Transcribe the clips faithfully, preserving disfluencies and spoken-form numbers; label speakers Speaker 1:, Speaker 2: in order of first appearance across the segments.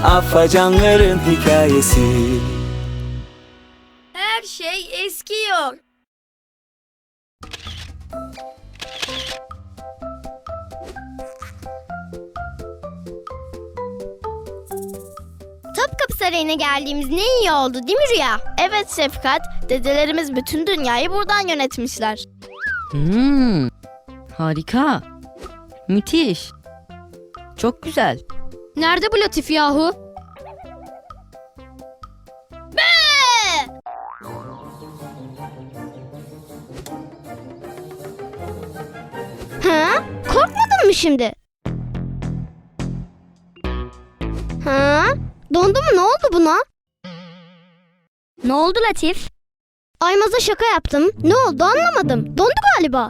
Speaker 1: Afacanların hikayesi.
Speaker 2: Her şey eskiyor.
Speaker 3: Topkapı Sarayı'na geldiğimiz ne iyi oldu değil mi Rüya?
Speaker 4: Evet Şefkat, dedelerimiz bütün dünyayı buradan yönetmişler.
Speaker 5: Hmm, harika. Müthiş. Çok güzel.
Speaker 2: Nerede bu Latif yahu?
Speaker 3: Ha? Korkmadın mı şimdi? Ha? Dondu mu? Ne oldu buna?
Speaker 4: Ne oldu Latif?
Speaker 3: Aymaz'a şaka yaptım. Ne oldu anlamadım. Dondu galiba.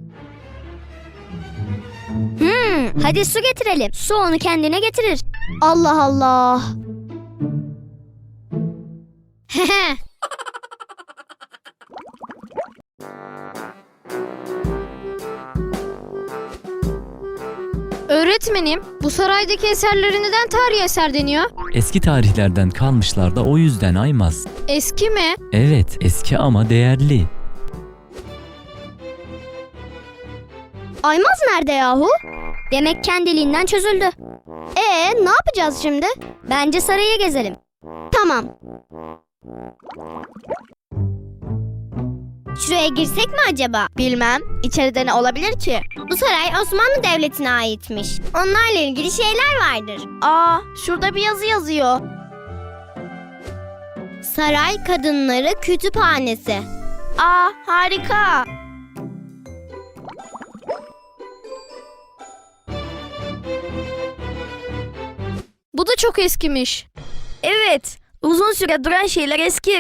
Speaker 4: Hmm, hadi su getirelim. Su onu kendine getirir.
Speaker 3: Allah Allah.
Speaker 2: Öğretmenim, bu saraydaki eserlere neden tarihi eser deniyor?
Speaker 6: Eski tarihlerden kalmışlar da o yüzden Aymaz.
Speaker 2: Eski mi?
Speaker 6: Evet, eski ama değerli.
Speaker 3: Aymaz nerede yahu?
Speaker 4: Demek kendiliğinden çözüldü.
Speaker 3: Ee, ne yapacağız şimdi?
Speaker 4: Bence sarayı gezelim.
Speaker 3: Tamam. Şuraya girsek mi acaba?
Speaker 4: Bilmem, içeride ne olabilir ki?
Speaker 3: Bu saray Osmanlı Devleti'ne aitmiş. Onlarla ilgili şeyler vardır.
Speaker 4: Aa, şurada bir yazı yazıyor.
Speaker 3: Saray Kadınları Kütüphanesi.
Speaker 4: Aa, harika.
Speaker 2: Bu da çok eskimiş.
Speaker 4: Evet, uzun süre duran şeyler eski.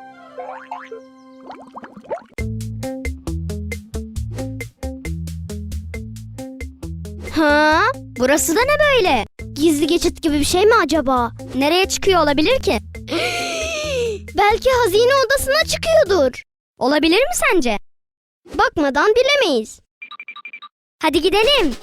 Speaker 3: Ha?
Speaker 4: Burası da ne böyle?
Speaker 3: Gizli geçit gibi bir şey mi acaba?
Speaker 4: Nereye çıkıyor olabilir ki?
Speaker 3: Belki hazine odasına çıkıyordur.
Speaker 4: Olabilir mi sence?
Speaker 3: Bakmadan bilemeyiz.
Speaker 4: Hadi gidelim.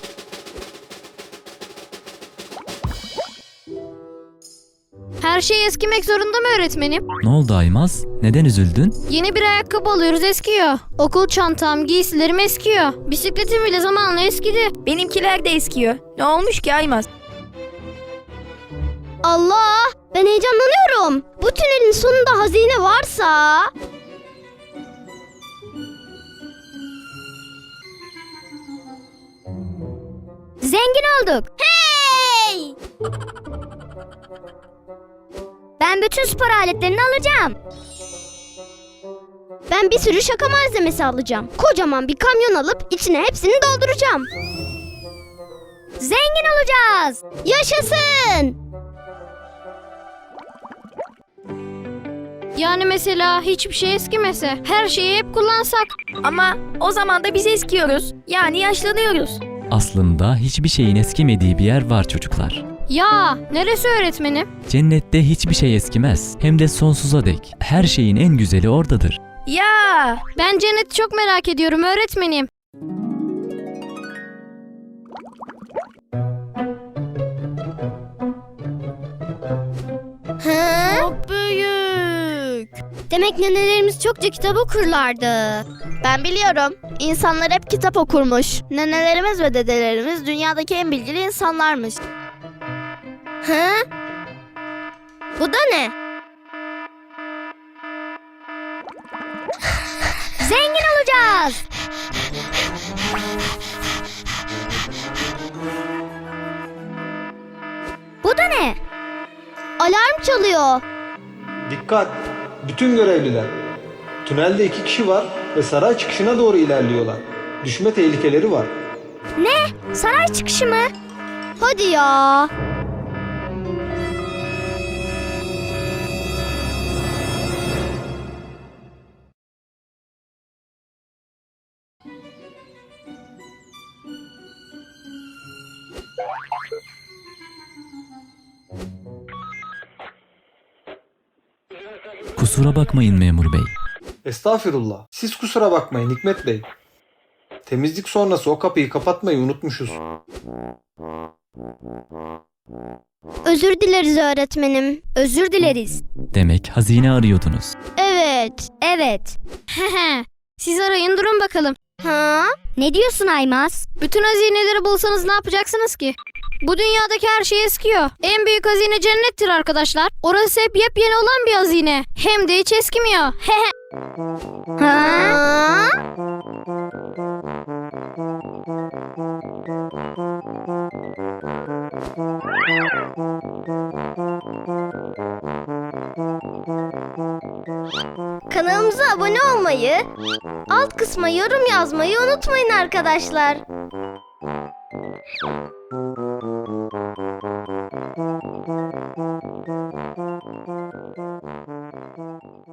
Speaker 2: Her şey eskimek zorunda mı öğretmenim?
Speaker 6: Ne oldu Aymaz? Neden üzüldün?
Speaker 2: Yeni bir ayakkabı alıyoruz, eskiyor. Okul çantam, giysilerim eskiyor. Bisikletim bile zamanla eskidi.
Speaker 4: Benimkiler de eskiyor. Ne olmuş ki Aymaz?
Speaker 3: Allah! Ben heyecanlanıyorum. Bu tünelin sonunda hazine varsa...
Speaker 4: Zengin olduk.
Speaker 3: Hey!
Speaker 4: Ben bütün spor aletlerini alacağım.
Speaker 3: Ben bir sürü şaka malzemesi alacağım. Kocaman bir kamyon alıp içine hepsini dolduracağım.
Speaker 4: Zengin olacağız.
Speaker 3: Yaşasın!
Speaker 2: Yani mesela hiçbir şey eskimese, her şeyi hep kullansak.
Speaker 4: Ama o zaman da biz eskiyoruz. Yani yaşlanıyoruz.
Speaker 6: Aslında hiçbir şeyin eskimediği bir yer var çocuklar.
Speaker 2: Ya, neresi öğretmenim?
Speaker 6: Cennette hiçbir şey eskimez. Hem de sonsuza dek. Her şeyin en güzeli oradadır.
Speaker 4: Ya!
Speaker 2: Ben cenneti çok merak ediyorum öğretmenim.
Speaker 3: Ha?
Speaker 4: Çok büyük.
Speaker 3: Demek nenelerimiz çokça kitap okurlardı.
Speaker 4: Ben biliyorum. İnsanlar hep kitap okurmuş. Nenelerimiz ve dedelerimiz dünyadaki en bilgili insanlarmış.
Speaker 3: Ha? Bu da ne?
Speaker 4: Zengin olacağız. Bu da ne?
Speaker 3: Alarm çalıyor.
Speaker 7: Dikkat! Bütün görevliler. Tünelde iki kişi var ve saray çıkışına doğru ilerliyorlar. Düşme tehlikeleri var.
Speaker 4: Ne? Saray çıkışı mı?
Speaker 3: Hadi ya.
Speaker 6: Kusura bakmayın memur bey.
Speaker 7: Estağfirullah. Siz kusura bakmayın Hikmet Bey. Temizlik sonrası o kapıyı kapatmayı unutmuşuz.
Speaker 3: Özür dileriz öğretmenim.
Speaker 2: Özür dileriz.
Speaker 6: Demek hazine arıyordunuz.
Speaker 3: Evet.
Speaker 2: Evet. Hehe. Siz arayın durun bakalım.
Speaker 3: Ha? Ne diyorsun Aymaz?
Speaker 2: Bütün hazineleri bulsanız ne yapacaksınız ki? Bu dünyadaki her şey eskiyor. En büyük hazine cennettir arkadaşlar. Orası hep yepyeni olan bir hazine. Hem de hiç eskimiyor. Hehe.
Speaker 3: Ha? Kanalımıza abone olmayı, alt kısma yorum yazmayı unutmayın arkadaşlar.